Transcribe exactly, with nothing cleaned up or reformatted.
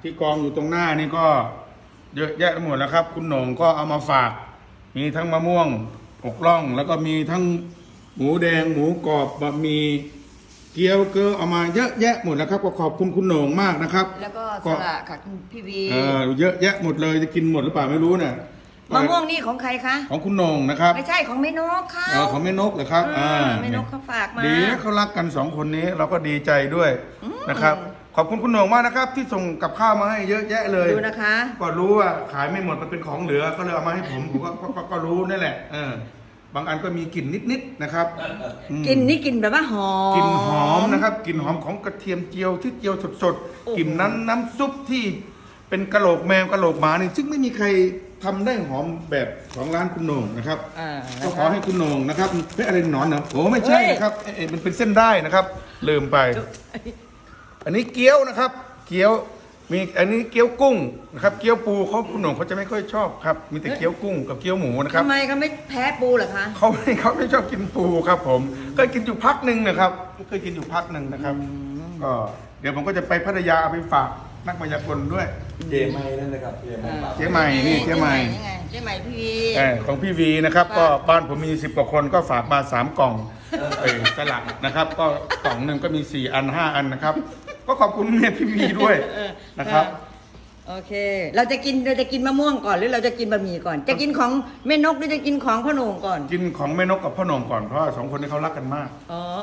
ที่กองอยู่ตรงหน้านี่ก็เยอะแยะหมดแล้วครับคุณโหน่งก็เอามาฝากมีทั้งมะม่วงอกล่องแล้วก็มีทั้งหมูแดงหมูกรอบบะหมี่เกี๊ยวเกลือเอามาเยอะแยะหมดแล้วครับก็ขอบคุณคุณโหน่งมากนะครับแล้วก็สละค่ะคุณพี่วีเออเยอะแยะหมดเลยจะกินหมดหรือเปล่าไม่รู้เนี่ยมะม่วงนี่ของใครคะของคุณโหน่งนะครับไม่ใช่ของแม่นกค่ะเออของแม่นกเหรอครับอ่าแม่นกเขาฝากมาดีนะเขารักกันสองคนนี้เราก็ดีใจด้วยนะครับขอบคุณคุณโหน่งมากนะครับที่ส่งกับข้าวมาให้เยอะแยะเลยดูนะคะก็รู้ว่าขายไม่หมดมันเป็นของเหลือก็เลยเอามาให้ผมผมก็ก็ก็รู้นั่นแหละเออบางอันก็มีกลิ่นนิดๆนะครับกลิ่นนี่กลิ่นแบบว่าหอมกลิ่นหอมนะครับกลิ่นหอมของกระเทียมเจียวที่เจียวสดๆกลิ่นนั้นน้ำซุปที่เป็นกะโหลกแมวกะโหลกหมานี่ซึ่งไม่มีใครทำได้หอมแบบของร้านคุณโหน่งนะครับก็ขอให้คุณโหน่งนะครับเป็นอะไรหนอนเหรอโอ้ไม่ใช่นะครับเอ๊ะมันเป็นเส้นได้นะครับลืมไปอันนี้เกี๊ยวนะครับ เกี๊ยวมีอันนี้เกี๊ยวกุ้งนะครับเกี๊ยวปูเขาคุณโหน่งเขาจะไม่ค่อยชอบครับมีแต่เกี๊ยวกุ้งกับเกี๊ยวหมูนะครับทำไมเขาไม่แพ้ปูเหรอคะเขาไม่เขาไม่ชอบกินปูครับผมเคยกินอยู่พักหนึ่งนะครับเคยกินอยู่พักหนึ่งนะครับก็เดี๋ยวผมก็จะไปพัทยาเอาไปฝากนักมายากลด้วยเจใหม่นั่นนะครับเจใหม่เจ๊ใหม่นี่เจ๊ใหม่เจ๊ใหม่พี่วีของพี่วีนะครับก็บ้านผมมีสิบกว่าคนก็ฝากมาสามกล่องเออสลักนะครับก็กล่องหนึ่งก็มีสี่อันห้าอันนะครับก็ขอบคุณแม่พี่วีด้วยนะครับโอเคเราจะกินเราจะกินมะม่วงก่อนหรือเราจะกินบะหมี่ก่อนจะกินของแม่นกหรือจะกินของพ่อโหน่งก่อนกินของแม่นกกับพ่อโหน่งก่อนเพราะสองคนนี้เขารักกันมากอ๋อ